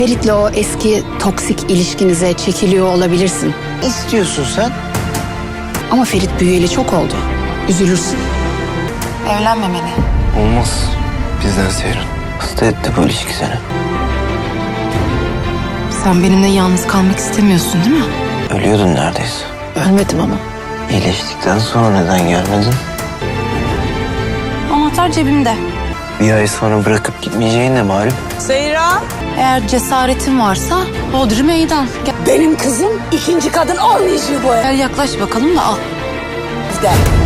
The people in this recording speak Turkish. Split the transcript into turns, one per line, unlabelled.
Ferit'le o eski toksik ilişkinize çekiliyor olabilirsin.
İstiyorsun sen?
Ama Ferit büyüyeli çok oldu. Üzülürsün.
Evlenmemeli.
Olmaz. Bizden Seyran. Hasta etti bu ilişki seni.
Sen benimle yalnız kalmak istemiyorsun değil mi?
Ölüyordun neredeyse.
Ölmedim ama.
İyileştikten sonra neden gelmedin?
Anahtar cebimde.
Bir ay sonra bırakıp gitmeyeceğin de malum.
Eğer cesaretin varsa Bodrum meydan.
Benim kızım ikinci kadın olmayacak bu evde.
Gel yaklaş bakalım da al.